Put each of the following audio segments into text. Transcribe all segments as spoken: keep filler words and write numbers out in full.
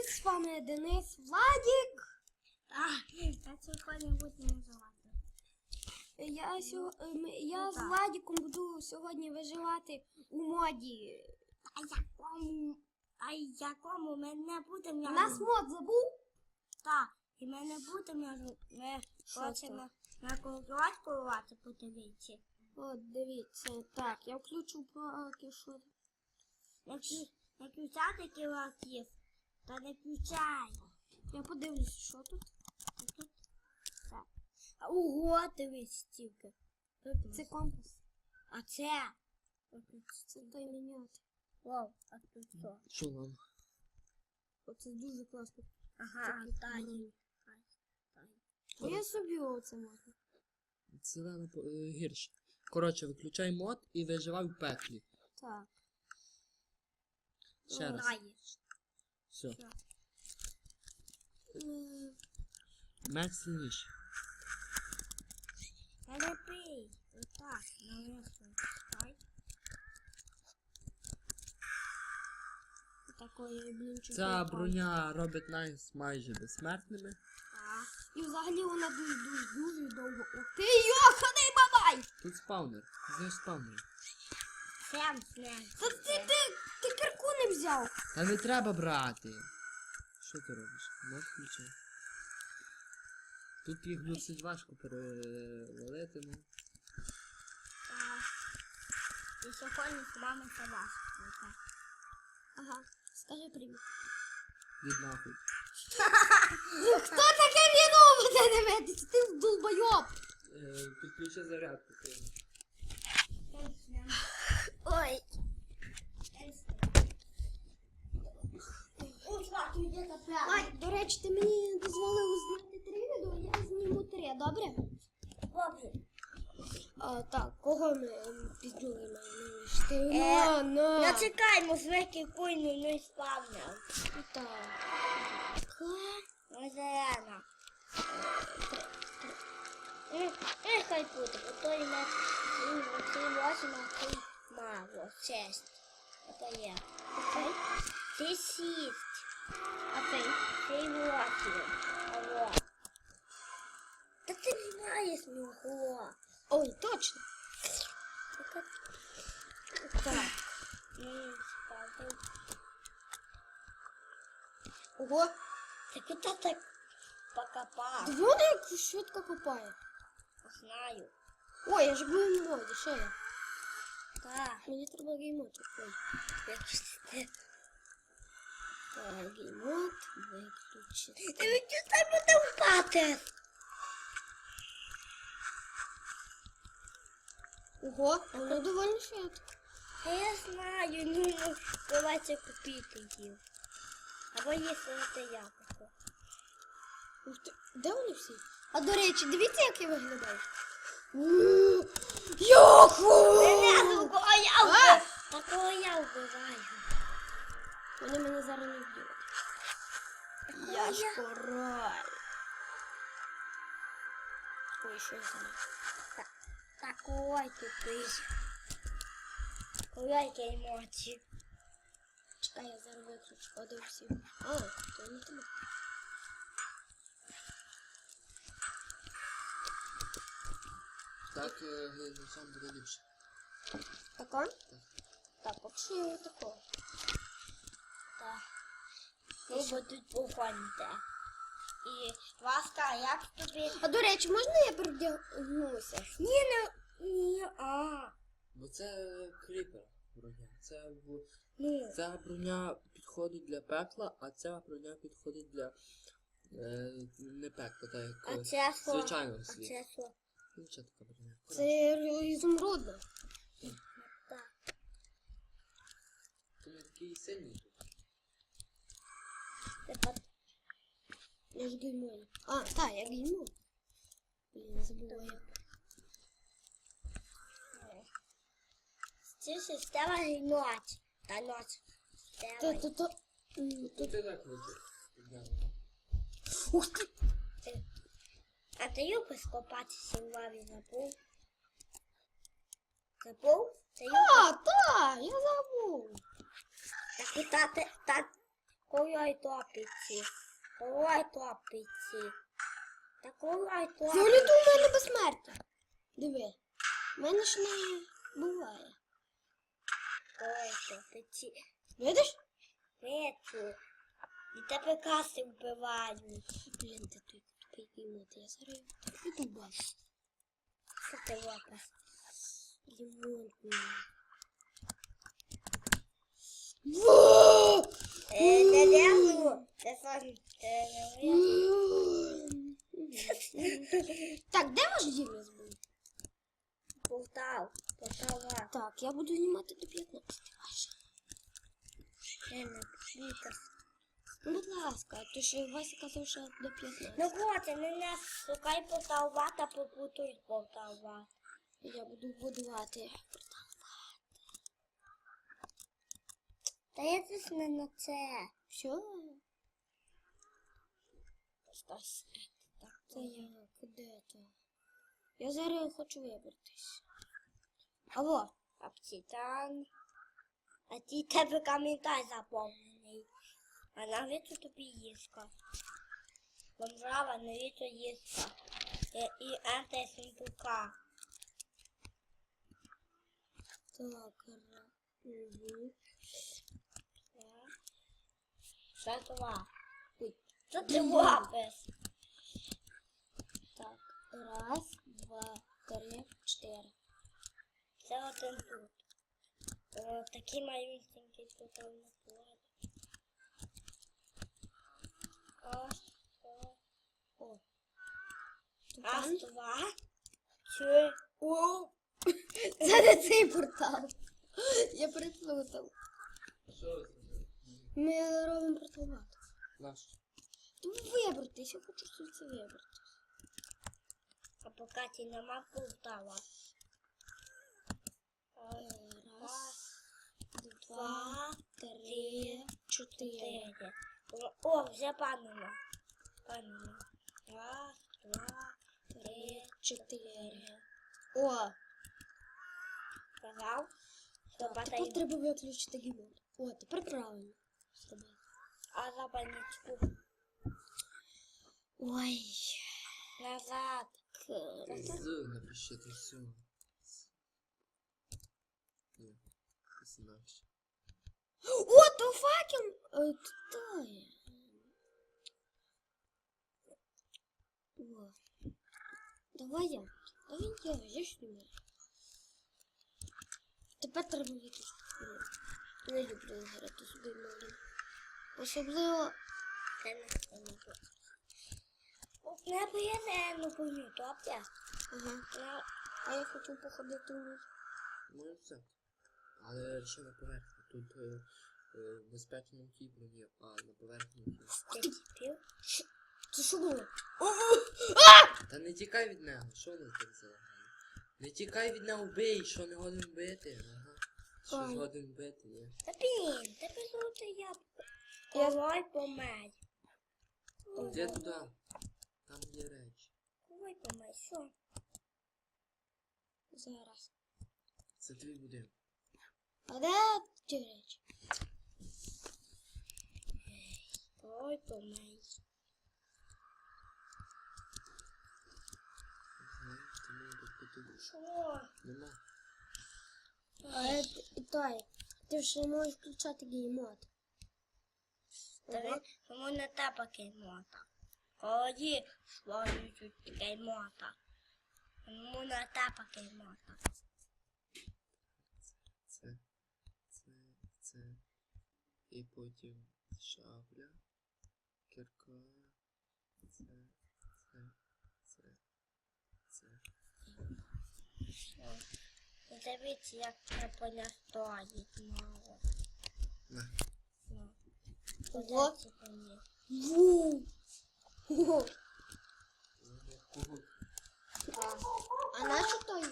з вами Денис, Владик. А, я сьогодні буду називати. Я, сьо... ем, я з Владиком буду сьогодні виживати у моді. А якому, а якому ми не будемо... У нас мод забув? Так, і ми не будемо, ми хочемо на колготь колувати, подивіться. От, дивіться, так, я включу поки що. Не включати кілаків, та не включай. Я подивлюсь, що тут. Так. Ого, дивись, стільки. Це компас. А це? Це той міняти. Вау, а тут що? Що вам? Оце дуже класно. Ага, Тані. А я собі оце можна. Зелено е, гірше. Коротше, виключай мод і виживай в пеклі. Так. Ще раз. Знаєш. Все. Е, Меч сильніший. Не пий. Отак, навесно. Дай. Такої, блін, чуть Ця не броня робить нас майже безсмертними. Так. І взагалі вона дуже-дуже-дуже довго. Ух ти, йоханий бабай! Тут спаунер. Знаєш спаунер. Сем, сем. Та ти, ти, ти кирку не взяв. Та не треба брати. Що ти робиш? Мод включай. Тут їх досить важко перевалити, ну. Так. І сьогодні з вами собачка. Ага, скажи привіт. Від нахуй. Хто таке віно буде дивитися? Ти долбойоб. Е, Підключи зарядку. Ой. Ой, до речі, ти мені дозволив зняти три відео, я зніму три, добре? Добре. А, так, кого ми ем, піздюли маємо? Е, На, на. Ну чекай, звики куйну не спавнив. Так. Ось зелена. Е, хай буде, бо то і на цій лосі на цій мало. Честь. Ото є. Окей. Ти сість. А ти? Цей лосі. Алло. Та ти не знаєш мого. Ой, точно. Так. М, спати. Ого. Ти куди так покопав? Вона як швидко копає. Знаю. Ой, я ж був в моді, що я? Так. Мені треба геймот. Ой. Виключити. Так, геймот виключити. Ти відчутай буде впати. Ого, воно доволі швидко. А я знаю, ну, ну, давайте купити їх. Або якщо це яблуко. Ух ти, де вони всі? А до речі, дивіться, як я виглядаю. Яку! Не Яку! яблуко, а яблуко! Такого я вбиваю. Вони мене зараз не вб'ють. Я ж король. Ой, що я знаю. Такой тупий. Ой, емоції. Чекай, я зараз виключу, подивився. А, то не тебе. Так, глядачам буде ліпше. Тако? Так, поки що я тако. Так. Ви будуть походити. І, ласка, як тобі? А до речі, можна я передягнуся? Ні, не, ні, а. Бо це кріпер броня. Це, в... Ну, Ця броня підходить для пекла, а ця броня підходить для е, не пекла, так як а е, це що? звичайного А світу. це що? Ну, що така броня? Це ізумрудна. Так. Ти не такий сильний тут. Тепер Я ж геймую. А, так, я геймую. Блін, не забуваю. Ця система ноч. Та ноч. То, то, то. М, Тут Тут. ти так хочеш. Ух ти! А ти любиш копатися в лаві забув? Забув? Ти любиш? А, так, я забув. Так, та, та, та, Ой, топиці. Ой, топиці. Так ой, топиці. Взагалі-то у мене безсмертя. Диви. У мене ж не буває. Ой, топиці. Видиш? Вечу. І тебе каси вбивають. Блін, ти той тупий імот. Я зараз піду бачу. Що ти лопас? Лимон. Е, не лезу. Це сон. Це не Так, де ваш Дім'яс був? Полтав. Полтава. Так, я буду знімати до п'ятнадцяти. Ще не Вітас. Ну, будь ласка, то що Вася казав, що до п'ятнадцяти. Ну от, не нас шукай Полтава та попутують Полтава. Я буду будувати. Та я тут не на це. Що? Стас. Так, це я. Куди то? Я зараз хочу вибратись. Алло. Капітан. А ті тебе коментар заповнений. А навіщо тобі їска? Бомжава, навіщо їска? І, і антисимпука. Так, ра. Угу. Що това? Ой, що ти лапиш? Так, раз, два, три, чотири. Це один тут. О, такі малюсенькі тут там на плані. Ось, о. О. Раз, два, три. О! Це не цей портал. Я переплутав. Що ви зробили? Ми робимо порталат. Наш. Вибратись, я хочу звідси вибратись. А поки ті нема Полтава. Раз, два, Два, три, чотири. чотири. О, вже панина. Панина. Раз, два, три, Чотири. О, сказав. Що так, тепер батарея. треба виключити гімон. О, тепер правильно зробили. А запальничку Ой. назад. З напишіть все. Ні, це інакше. О, то факел! Е, то є. О. Давай я. Давай я, я ж не можу. Тепер треба виключити. Не люблю грати з геймодом. Особливо... Це не це. Не поїде, ну помню, то аптек. Ага. А я хочу походити у них. Ну все. Але ще на поверхні. Тут е, е, безпечно в тій броні, а на поверхні ні. Ти пів? Це що було? Та не тікай від нього, що вони так залагали? Не тікай від нього, бий, що не годен бити. Ага. Що Ой. згоден бити, ні. Та блін, тебе золоте яблуко. Я- Ковай помей. Де туди? Там є речі. Ковай помей, що? Зараз. Це твій будинок. А де ті речі? Ковай помей. Знаєш, ти мені тут подивиш. Що? Нема. А і той. Ти ж не можеш включати геймод. Та він йому не треба кеймота. Коли свою чуть кеймота. Йому не треба кеймота. Це, це, це. І потім шабля, кірка. Це, це, це, це. Дивіться, як це поля стоїть мало. На. Ну. Ого. Подивіться мені. Ву! Ого. Кого? А, а нащо той?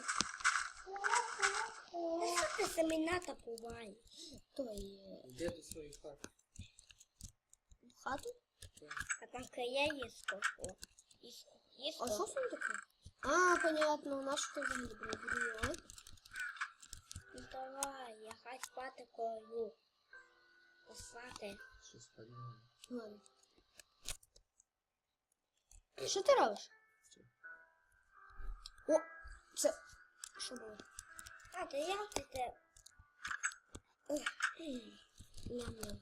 Ну, що ти семената буває? Той е, Де до своєї хати? в хату? А там края є сколько. Є А що це таке? А, понятно, нащо ти взагалі прибрала? Ну давай, я хай спати колю. Спати. Щось подумаю. Ладно. Що ти робиш? О, це... Що було? А, то я таке... Ням-ням.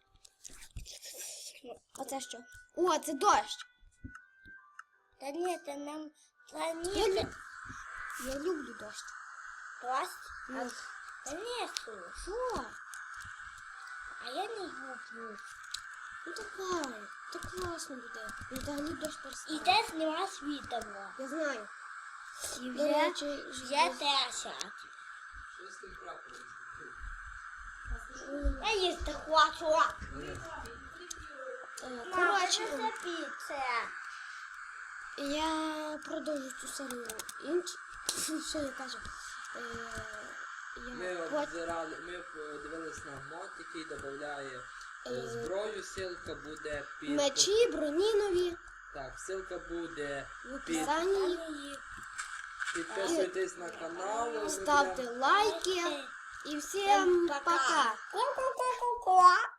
А це що? О, це дощ. Та ні, це нам... Та ні, я, лю... я люблю дощ. Дощ? А... Та ні, що? Що? А я не люблю. Ну давай, це класно буде. І взагалі дощ перестане. І теж нема світла. Я знаю. І вже, речі, вже десять. Що з тим прапором? Я їсти хочу. Коротше, це піца. я продовжу цю серію. Інч... Що я кажу? Е, Ми я пот... обзирали, ми подивились на мод, який додає Е, зброю, ссылка буде під... Мечі, броні нові. Так, ссылка буде В описанні. Підписуйтесь на канал. Ставте лайки. І всім пока. Ку-ку-ку-ку-ку.